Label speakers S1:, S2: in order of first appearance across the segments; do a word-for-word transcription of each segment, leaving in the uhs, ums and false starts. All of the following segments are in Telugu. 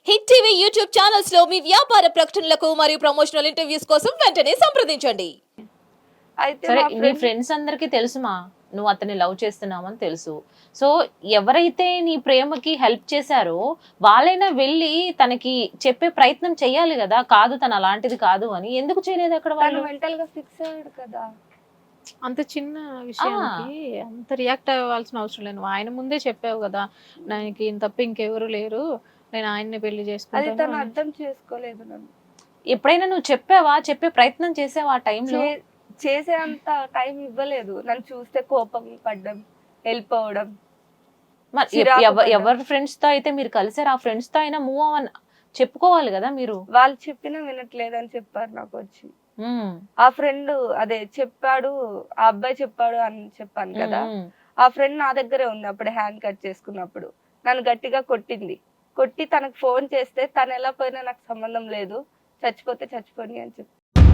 S1: హిట్ టీవీ యూట్యూబ్ ఛానల్స్ లో మీ వ్యాపార ప్రకటనలకు మరియు ప్రమోషనల్ ఇంటర్వ్యూస్ కోసం వెంటనే సంప్రదించండి.
S2: అయితే
S3: సరే
S2: మా
S3: నీ
S2: ఫ్రెండ్
S3: ఫ్రెండ్స్ అందరికీ తెలుసుమా నువ్వు అతన్ని లవ్ చేస్తున్నావని తెలుసు. సో ఎవరైతే నీ ప్రేమకి హెల్ప్ చేశారో వాళ్ళైనా వెళ్ళి తనకి చెప్పే ప్రయత్నం చెయ్యాలి కదా, కాదు తను అలాంటిది కాదు అని. ఎందుకు చేయలేదు అక్కడ
S2: తను
S3: వాళ్ళు?
S2: మెంటల్ గా ఫిక్స్ అయ్యాడు కదా.
S4: అంత చిన్న విషయానికి అంత రియాక్ట్ అవ్వాల్సిన అవసరం లేదు. నువ్వు ఆయన ముందే చెప్పావు కదా, నాకు ఇంత తప్ప ఇంకెవరు లేరు, నేను ఆయన్ని పెళ్లి
S2: అది
S4: చేసుకుంటాను
S2: తను
S4: అని.
S2: అర్థం చేసుకోలేదు. నన్ను
S3: ఎప్పుడైనా నువ్వు చెప్పావా, చెప్పే ప్రయత్నం చేసావా ఆ టైంలో?
S2: చే- చేసే అంత టైం ఇవ్వలేదు. నన్ను చూస్తే కోపం పడ్డం, వెళ్ళిపోవడం.
S3: మరి
S2: చిరాకు
S3: ఎవ-
S2: పడ్డా.
S3: ఎవరి ఫ్రెండ్స్ తో అయితే మీరు కలిసారు, ఆ ఫ్రెండ్స్ తో అయినా మూవ్ అవ్వని చెప్పుకోవాలి కదా మీరు.
S2: వాళ్ళు చెప్పినా వినట్లేదని చెప్పారు నాకు వచ్చి.
S3: ఉమ్,
S2: ఆ ఫ్రెండ్ అదే చెప్పాడు, ఆ అబ్బాయి చెప్పాడు అని చెప్పాను కదా.
S3: ఉమ్,
S2: ఆ ఫ్రెండ్ నా దగ్గరే ఉంది అప్పుడు, హ్యాండ్ కట్ చేసుకున్నప్పుడు నన్ను గట్టిగా కొట్టింది. కొట్టి తనకు ఫోన్ చేస్తే తను ఎలా పోయినా నాకు సంబంధం లేదు, చచ్చిపోతే చచ్చిపోని అని చెప్పి.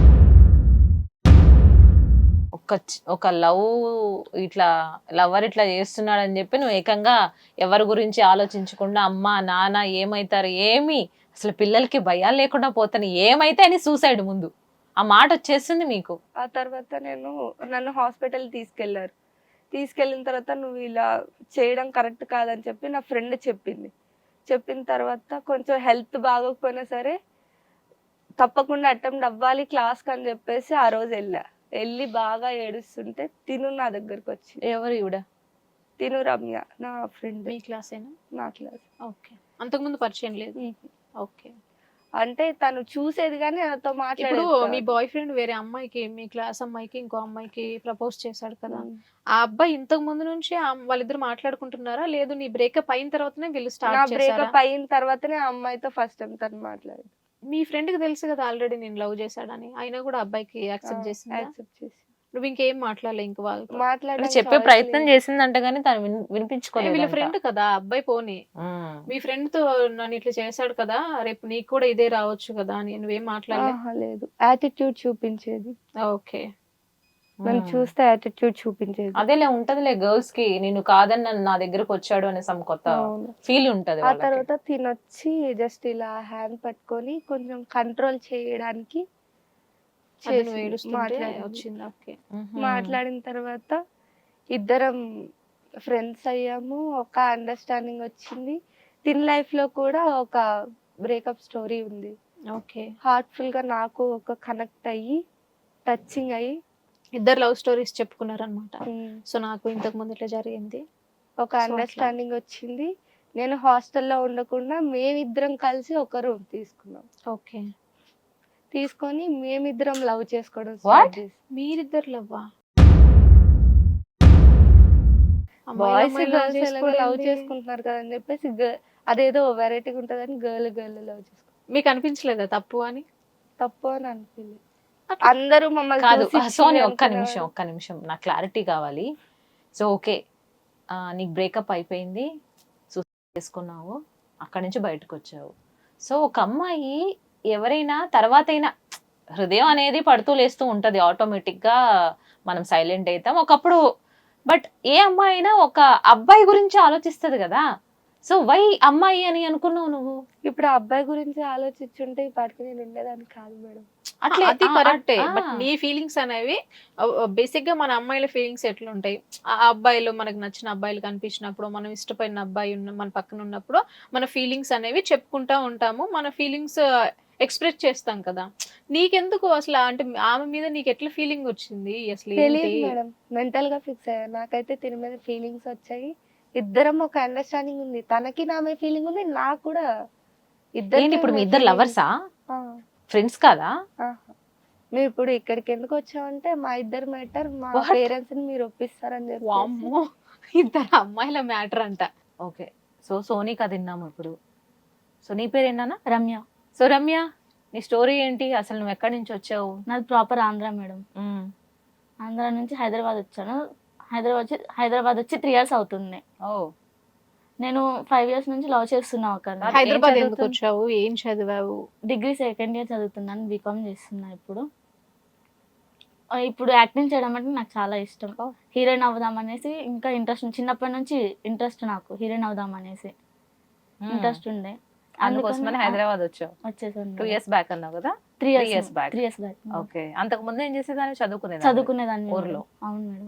S3: ఒక చి- ఒక లవ్ ఇట్లా లవర్ ఇట్లా చేస్తున్నాడు అని చెప్పి నువ్వు ఏకంగా ఎవరి గురించి ఆలోచించకుండా అమ్మ నాన్న ఏమైతారు ఏమి, అసలు పిల్లలకి భయాలు లేకుండా పోతాను ఏమైతే అని సూసైడ్ ముందు ఆ మాట వచ్చేస్తుంది మీకు.
S2: ఆ తర్వాత నేను నన్ను హాస్పిటల్ తీసుకెళ్లారు. తీసుకెళ్ళిన తర్వాత నువ్వు ఇలా చేయడం కరెక్ట్ కాదని చెప్పి నా ఫ్రెండ్ చెప్పింది. చెప్పిన తర్వాత కొంచెం హెల్త్ బాగోకపోయినా సరే తప్పకుండా అటెంప్ట్ అవ్వాలి క్లాస్కి అని చెప్పేసి ఆ రోజు వెళ్ళా. వెళ్ళి బాగా ఏడుస్తుంటే తిను నా దగ్గరకు వచ్చి,
S3: ఎవరు ఈవిడ?
S2: తిను రమ్య నా ఫ్రెండ్,
S4: మీ క్లాస్ అయినా?
S2: నా క్లాస్.
S4: ఓకే, అంతకుముందు పరిచయం లేదు. ఓకే,
S2: అంటే తను చూసేది కానీ నాతో
S4: ఇప్పుడు
S2: మాట్లాడేది
S4: మీ
S2: కాదు.
S4: బాయ్ ఫ్రెండ్ వేరే అమ్మాయికి, మీ క్లాస్ అమ్మాయికి ఇంకో అమ్మాయికి ప్రపోజ్ చేశాడు కదా,
S2: ఉమ్.
S4: ఆ అబ్బాయి ఇంతకు ముందు నుంచి ఆ- వాళ్ళిద్దరు మాట్లాడుకుంటున్నారా, లేదు నీ బ్రేకప్ అయిన తర్వాతనే వీళ్ళు
S2: నా
S4: స్టార్ట్ చేశారా?
S2: బ్రేకప్ అయిన తర్వాతనే ఆ అమ్మాయితో ఫస్ట్ టైం తను మాట్లాడింది.
S4: మీ ఫ్రెండ్ కి తెలుసు కదా ఆల్రెడీ నేను లవ్ చేశాడని, అయినా కూడా అబ్బాయికి యాక్సెప్ట్ చేసిందా?
S2: యాక్సెప్ట్ చేసి
S4: నువ్వు ఇంకేం మాట్లాడలే ఇంక వాళ్ళతో?
S3: అంటే
S2: మాట్లాడడానికి
S3: చెప్పే
S2: choice
S3: ప్రయత్నం
S2: లేదు.
S3: చేసిందంట కానీ తను విన్-
S4: ఏ, వీళ్ళ
S3: వినిపించుకోలేదు.
S4: ఫ్రెండ్ కదా అబ్బాయి, పోనీ మీ ఫ్రెండ్ తో నన్ను ఇట్లా చేశాడు కదా, రేపు నీకు కూడా ఇదే రావచ్చు కదా అని నువ్వేం మాట్లాడలే?
S2: ఆహా, లేదు. యాటిట్యూడ్ చూపించేది,
S4: ఓకే,
S2: నన్ను చూస్తే యాటిట్యూడ్ చూపించేది.
S3: అదేలే ఉంటదిలే గర్ల్స్ కి, నేను కాదని నన్ను నా దగ్గరకు వచ్చాడు అనే సమ్ కొత్త
S2: అవును.
S3: ఫీల్ ఉంటది
S2: ఆ
S3: వాళ్ళకి.
S2: తర్వాత తినొచ్చి జస్ట్ ఇలా హ్యాండ్ పట్టుకొని కొంచెం కంట్రోల్ చేయడానికి
S4: అది నువ్వు
S2: చేసింది,
S4: ఏడుస్తుంటే
S2: మాట్లాడింది.
S4: వచ్చింది. ఓకే,
S3: మ్హూ.
S2: మాట్లాడిన తర్వాత ఇద్దరం ఫ్రెండ్స్ అయ్యాము, ఒక అండర్స్టాండింగ్ వచ్చింది. తిన్ లైఫ్ లో కూడా ఒక బ్రేకప్ స్టోరీ ఉంది.
S4: ఓకే.
S2: హార్ట్ఫుల్ గా నాకు ఒక కనెక్ట్ అయ్యి టచింగ్ అయ్యి
S4: ఇద్దరు లవ్ స్టోరీస్ చెప్పుకున్నారనమాట.
S2: ఉమ్,
S4: సో నాకు ఇంతకు ముందు ఇట్లా జరిగింది.
S2: ఒక అండర్స్టాండింగ్ వచ్చింది. నేను హాస్టల్లో ఉండకుండా మేమిద్దరం కలిసి ఒక రూమ్ తీసుకున్నాం.
S4: ఓకే,
S2: తీసుకొని మేమిద్దరం లవ్ చేసుకోవడం
S3: What?
S2: start చేసాం.
S4: మీరిద్దరు లవ్వా?
S2: బాయ్స్ గర్ల్స్ లవ్ చేసుకుంటున్నారు కదా అని చెప్పేసి గ- అదేదో వెరైటీగా ఉంటదని గర్ల్ గర్ల్ లవ్ చేసుకుంటాం.
S4: మీకు అనిపించలేదా తప్పు అని?
S2: తప్పు అని అనిపించలేదు. అందరూ మమ్మల్ని
S3: కాదు
S2: చూసి
S3: సోని,
S2: ఇచ్చి
S3: ఒక్క
S2: అనుకునేవారు.
S3: నిమిషం ఒక్క నిమిషం నాకు క్లారిటీ కావాలి. సో ఓకే, నీకు బ్రేకప్ అయిపోయింది, సూసైడ్ చేసుకున్నావు, అక్కడి నుంచి బయటకు వచ్చావు. సో ఒక అమ్మాయి ఎవరైనా తర్వాత అయినా హృదయం అనేది పడుతూ లేస్తూ ఉంటది, ఆటోమేటిక్ గా మనం సైలెంట్ అవుతాం ఒకప్పుడు. బట్ ఏ అమ్మాయి అయినా ఒక అబ్బాయి గురించి ఆలోచిస్తది కదా. సో వై అమ్మాయి అని అనుకున్నావు నువ్వు?
S2: ఇప్పుడు ఆ అబ్బాయి గురించి ఆలోచించుంటే ఈ పాటికి నేను ఉండేదాన్ని కాదు మేడం.
S3: అట్లే
S4: అది
S3: ఆ,
S4: కరెక్టే.
S3: ఆ,
S4: బట్ నీ ఫీలింగ్స్ అనేవి బేసిక్ గా మన అమ్మాయిల ఫీలింగ్స్ ఎట్లుంటాయి, ఆ అబ్బాయిలు మనకు నచ్చిన అబ్బాయిలు కనిపించినప్పుడు, మనం ఇష్టపడిన అబ్బాయి ఉన్న మన పక్కన ఉన్నప్పుడు మన ఫీలింగ్స్ అనేవి చెప్పుకుంటా ఉంటాము, మన ఫీలింగ్స్ ఎక్స్ప్రెస్ చేస్తాం కదా. నీకెందుకు అసలు, అంటే ఆమె మీద నీకు ఎట్లా ఫీలింగ్ వచ్చింది అసలు?
S2: తెలియదు
S4: ఏంటి?
S2: మేడం, మెంటల్ గా ఫిక్స్ అయ్యా. నాకైతే తిని మీద ఫీలింగ్స్ వచ్చాయి. ఇద్దరం ఒక అండర్స్టాండింగ్ ఉంది, తనకి నా మీద ఫీలింగ్ ఉంది, నాకు కూడా.
S3: ఏంటి ఇప్పుడు మీ ఇద్దరు లవర్సా, ఫ్రెండ్స్ కాదా?
S2: మేము ఇప్పుడు ఇక్కడికి ఎందుకు వచ్చామంటే మా ఇద్దరు మ్యాటర్ మా
S3: What?
S2: పేరెంట్స్ ని మీరు ఒప్పిస్తారని చెప్పి.
S4: వామ్మో, ఇద్దరు అమ్మాయిల మ్యాటర్ అంట.
S3: ఓకే, సో సోనీ కథ విన్నాము ఇప్పుడు. సో నీ పేరు ఏంటన్నా?
S5: రమ్య.
S3: సో రమ్య, నీ స్టోరీ ఏంటి అసలు, నువ్వు ఎక్కడి నుంచి వచ్చావు?
S5: నాది proper Andhra madam.
S3: Hmm.
S5: Andhra నుంచి హైదరాబాద్ వచ్చాను. హైదరాబాద్ వచ్చి హైదరాబాద్ వచ్చి త్రీ ఇయర్స్ అవుతుంది.
S3: ఓ
S5: నేను ఫైవ్ ఇయర్స్ నుంచి లవ్ చేస్తున్నా ఒకరిని.
S3: ఏం
S4: హైదరాబాద్ ఎందుకు
S3: చదువుతావు?
S4: వచ్చావు, ఏం చదివావు?
S5: డిగ్రీ సెకండ్ ఇయర్ చదువుతున్నాను, బీకామ్ చేస్తున్నా ఇప్పుడు. ఆ, ఇప్పుడు యాక్టింగ్ చేయడం అంటే నాకు చాలా ఇష్టం. హీరోయిన్ అవుదాం అనేసి ఇంకా ఇంట్రెస్ట్, చిన్నప్పటి నుంచి ఇంట్రెస్ట్ నాకు హీరోయిన్ అవుదాం అనేసి
S3: మ్మ్.
S5: ఇంట్రెస్ట్ ఉండే.
S3: అందుకోసమని
S5: అందుకని
S3: హైదరాబాద్ వచ్చావు.
S5: వచ్చేసాను
S3: టూ ఇయర్స్ బ్యాక్ అన్నావు కదా.
S5: Three
S3: three years
S5: years
S3: back.
S5: Three years back
S3: okay, అంతకు ముందు ఏం చేసేదాన్ని? చదువుకునేది
S5: చదువుకునేదాన్ని
S3: ఊర్లో.
S5: మేడం. అవును మేడం.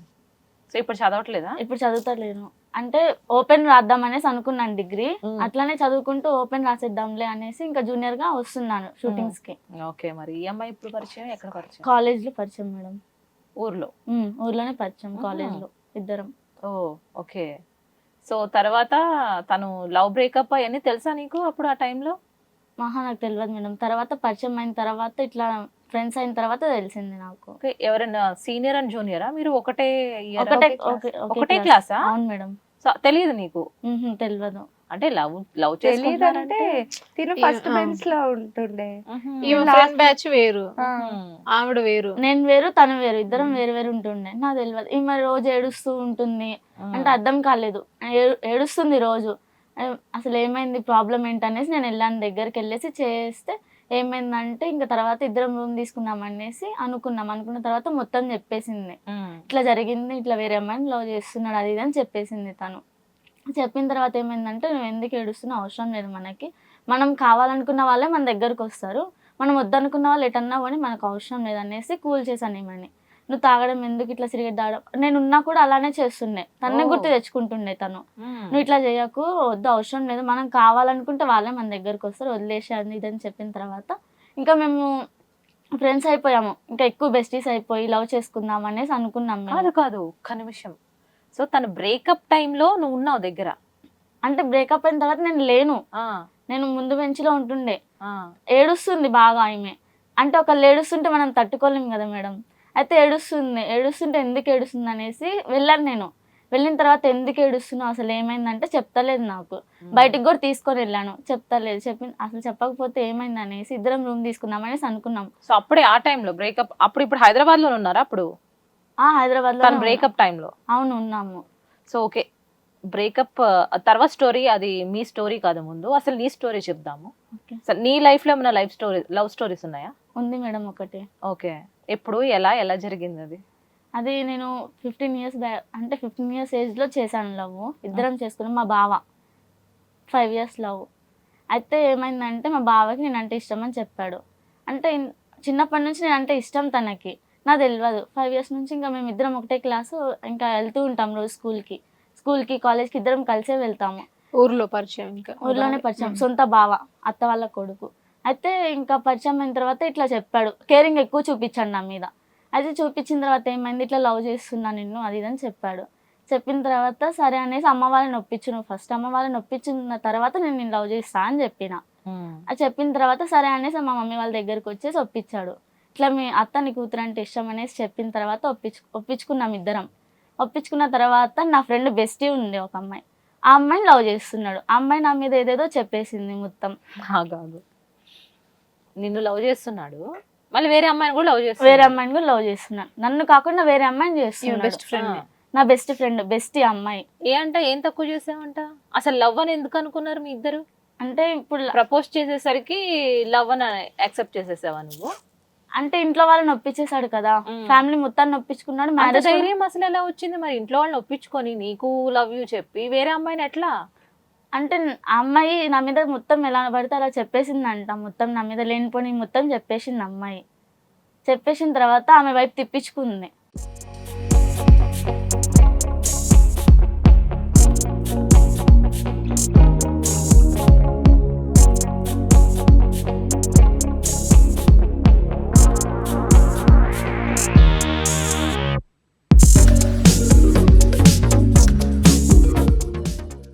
S3: సో ఇప్పుడు చదవట్లేదా?
S5: ఇప్పుడు చదువుతలేను, అంటే ఓపెన్ రాద్దాం అనేసి అనుకున్నాను డిగ్రీ,
S3: మ్మ్.
S5: అట్లానే చదువుకుంటూ ఓపెన్ రాసేద్దాంలే అనేసి ఇంకా జూనియర్ గా వస్తున్నాను షూటింగ్స్ కి.
S3: ఓకే, మరి ఈ అమ్మాయి ఇప్పుడు పరిచయం, ఎక్కడ పరిచయం?
S5: కాలేజ్ లో పరిచయం మేడం.
S3: ఊర్లో.
S5: మ్మ్, ఊర్లోనే పరిచయం,
S3: మ్మ్.
S5: కాలేజ్ లో ఇద్దరం.
S3: ఓ ఓకే. సో తర్వాత తను లవ్ బ్రేకప్ అవన్నీ తెలుసా నీకు అప్పుడు ఆ టైంలో?
S5: మహా నాకు తెలియదు మేడం. తర్వాత పరిచయం అయిన తర్వాత ఇట్లా ఫ్రెండ్స్ అయిన తర్వాత తెలిసింది నాకు.
S3: ఓకే, ఎవరైనా సీనియర్ అండ్ జూనియరా మీరు? ఒకటే year ఆ?
S5: ఒకటే
S3: class?
S5: ఓకే- ఒకే
S3: ఒకటే
S5: class.
S3: క్లాసా?
S5: అవును మేడం.
S3: సో తెలియదు నీకు
S5: మ్హూ, తెలియదు.
S3: అంటే లవ్ లవ్
S2: తెలియదంటే
S3: చేసుకుంటారంటే
S2: తిను
S4: ఈ-
S2: ఫస్ట్
S4: ఆ.
S2: బెంచ్ లో ఉంటుండే.
S4: ఈమె
S2: last-
S4: ఫ్రెండ్ బ్యాచ్ వేరు,
S2: ఆ,
S4: ఆవిడ వేరు.
S5: నేను వేరు తను వేరు, ఇద్దరం వేరు వేరు ఉంటుండే. నాకు తెలియదు. ఈమె రోజు ఏడుస్తూ ఉంటుంది అంటే అర్థం కాలేదు. ఏ- ఏడుస్తుంది రోజు. ఏ, అసలు ఏమైంది, ప్రాబ్లం ఏంటి అనేసి నేను వెళ్ళాను, దగ్గరికి వెళ్ళేసి చేస్తే ఏమైందంటే ఇంకా తర్వాత ఇద్దరం రూమ్ తీసుకున్నాం అనేసి అనుకున్నాం. అనుకున్న తర్వాత మొత్తం చెప్పేసింది, ఇట్లా జరిగింది, ఇట్లా వేరే అమ్మాయిని లవ్ చేస్తున్నాడు అది ఇది అని చెప్పేసింది తను. చెప్పిన తర్వాత ఏమైందంటే నువ్వు ఎందుకు ఏడుస్తున్నా, అవసరం లేదు మనకి, మనం కావాలనుకున్న వాళ్ళే మన దగ్గరకు వస్తారు, మనం వద్దనుకున్న వాళ్ళు ఎటన్నా కానీ మనకు అవసరం లేదు అనేసి కూల్ చేశాను ఏమని. నువ్వు తాగడం ఎందుకు, ఇట్లా సిగరెట్ తాగడం, నేను ఉన్నా కూడా అలానే చేస్తుండే, తన్నే
S3: ఓ.
S5: గుర్తు తెచ్చుకుంటుండే తను. నువ్వు ఇట్లా చేయకు, వద్దు, అవసరం లేదు, మనం కావాలనుకుంటే వాళ్ళే మన దగ్గరకు వస్తారు, వదిలేసి అది ఇది అని చెప్పిన తర్వాత ఇంకా మేము ఫ్రెండ్స్ అయిపోయాము, ఇంకా ఎక్కువ బెస్టీస్ అయిపోయి లవ్ చేసుకుందాం అనేసి అనుకున్నాం మేము.
S3: కాదు కాదు ఒక్క నిమిషం. సో తన బ్రేకప్ టైంలో నువ్వు ఉన్నావు దగ్గర?
S5: అంటే బ్రేకప్ అయిన తర్వాత నేను లేను,
S3: ఆ,
S5: నేను ముందు బెంచ్లో ఉంటుండే.
S3: ఆ.
S5: ఏడుస్తుంది బాగా ఆమె, అంటే ఒకళ్ళు ఏడుస్తుంటే మనం తట్టుకోలేం కదా మేడం. అయితే ఏడుస్తుంది, ఏడుస్తుంటే ఎందుకు ఏడుస్తుంది అనేసి వెళ్ళాను నేను. వెళ్ళిన తర్వాత ఎందుకు ఏడుస్తున్నావు, అసలు ఏమైందంటే చెప్తలేదు నాకు. బయటికి కూడా తీసుకొని వెళ్ళాను, చెప్తలేదు. చెప్పి అసలు చెప్పకపోతే ఏమైంది అనేసి ఇద్దరం రూమ్ తీసుకుందాం అనేసి అనుకున్నాం.
S3: సో అప్పుడే ఆ టైంలో బ్రేకప్, అప్పుడు ఇప్పుడు హైదరాబాద్ లో ఉన్నారా అప్పుడు
S5: ఆ హైదరాబాద్
S3: తన
S5: లో
S3: బ్రేకప్ టైంలో?
S5: అవును ఉన్నాము.
S3: సో ఓకే, బ్రేకప్ తర్వాత స్టోరీ అది మీ స్టోరీ కాదు, ముందు అసలు నీ స్టోరీ చెప్దాము.
S5: ఓకే.
S3: సో నీ లైఫ్ లో ఏమైనా లైఫ్ స్టోరీ లవ్ స్టోరీస్ ఉన్నాయా?
S5: ఉంది మేడం ఒకటి.
S3: ఓకే, ఎప్పుడు, ఎలా ఎలా జరిగింది అది?
S5: అది నేను ఫిఫ్టీన్ ఇయర్స్ బ్యా అంటే ఫిఫ్టీన్ ఇయర్స్ ఏజ్లో చేశాను లవ్. ఇద్దరం చేసుకున్నాం, మా బావ ఫైవ్ ఇయర్స్ లవ్. అయితే ఏమైందంటే మా బావకి నేను అంటే ఇష్టం అని చెప్పాడు. అంటే ఇన్- చిన్నప్పటి నుంచి నేను అంటే ఇష్టం తనకి, నాకు తెలియదు. ఫైవ్ ఇయర్స్ నుంచి ఇంకా మేము ఇద్దరం ఒకటే క్లాసు, ఇంకా వెళ్తూ ఉంటాం రోజు స్కూల్కి స్కూల్కి కాలేజ్కి ఇద్దరం కలిసే వెళ్తాము.
S4: ఊర్లో పరిచయం, ఇంకా
S5: ఊర్లోనే పరిచయం, సొంత బావ, అత్త వాళ్ళ కొడుకు. అయితే ఇంకా పరిచయం అయిన తర్వాత ఇట్లా చెప్పాడు, కేరింగ్ ఎక్కువ చూపించాడు నా మీద. అయితే చూపించిన తర్వాత ఏమైంది, ఇట్లా లవ్ చేస్తున్నా నిన్ను అది ఇది అని చెప్పాడు. చెప్పిన తర్వాత సరే అనేసి అమ్మ వాళ్ళని ఒప్పించు, నువ్వు ఫస్ట్ అమ్మ వాళ్ళని ఒప్పించిన తర్వాత నేను నేను లవ్ చేస్తా అని చెప్పిన. అది చెప్పిన తర్వాత సరే అనేసి మా మమ్మీ వాళ్ళ దగ్గరికి వచ్చేసి ఒప్పించాడు. ఇట్లా మీ అత్త నీ కూతురు అంటే ఇష్టం అనేసి చెప్పిన తర్వాత ఒప్పించు ఒప్పించుకున్నాం ఇద్దరం. ఒప్పించుకున్న తర్వాత నా ఫ్రెండ్ బెస్టీ ఉంది ఒక అమ్మాయి, ఆ అమ్మాయిని లవ్ చేస్తున్నాడు. ఆ అమ్మాయి నా మీద ఏదేదో చెప్పేసింది మొత్తం.
S3: కాదు, నిన్ను లవ్ చేస్తున్నాడు, మళ్ళీ వేరే అమ్మాయిని కూడా లవ్
S5: వేరే
S3: చేస్తున్నాడు.
S5: అమ్మాయిని కూడా లవ్ చేస్తున్నాడు, నన్ను కాకుండా వేరే అమ్మాయిని చేస్తున్నాడు.
S4: Best friend.
S5: నా బెస్ట్ ఫ్రెండ్ బెస్టీ అమ్మాయి.
S3: ఏ అంట, ఏం తక్కువ చేసావంట? అసలు లవ్ అని ఎందుకు అనుకున్నారు మీ ఇద్దరు?
S5: అంటే ఇప్పుడు
S3: ప్రపోజ్ చేసేసరికి లవ్ అని యాక్సెప్ట్ చేసేసావా నువ్వు?
S5: అంటే ఇంట్లో వాళ్ళని ఒప్పించేశాడు కదా,
S3: మ్మ్.
S5: ఫ్యామిలీ మొత్తాన్ని ఒప్పించుకున్నాడు.
S3: అంత
S5: మ్యారేజ్
S3: ధైర్యం అసలు ఎలా వచ్చింది మరి ఇంట్లో వాళ్ళని ఒప్పించుకొని నీకు లవ్ యూ చెప్పి వేరే అమ్మాయిని ఎట్లా?
S5: అంటే ఆ అమ్మాయి నా మీద మొత్తం ఎలా పడితే అలా చెప్పేసిందంట, మొత్తం నా మీద లేనిపోని మొత్తం చెప్పేసింది అమ్మాయి. చెప్పేసిన తర్వాత ఆమె వైపు తిప్పించుకుంది.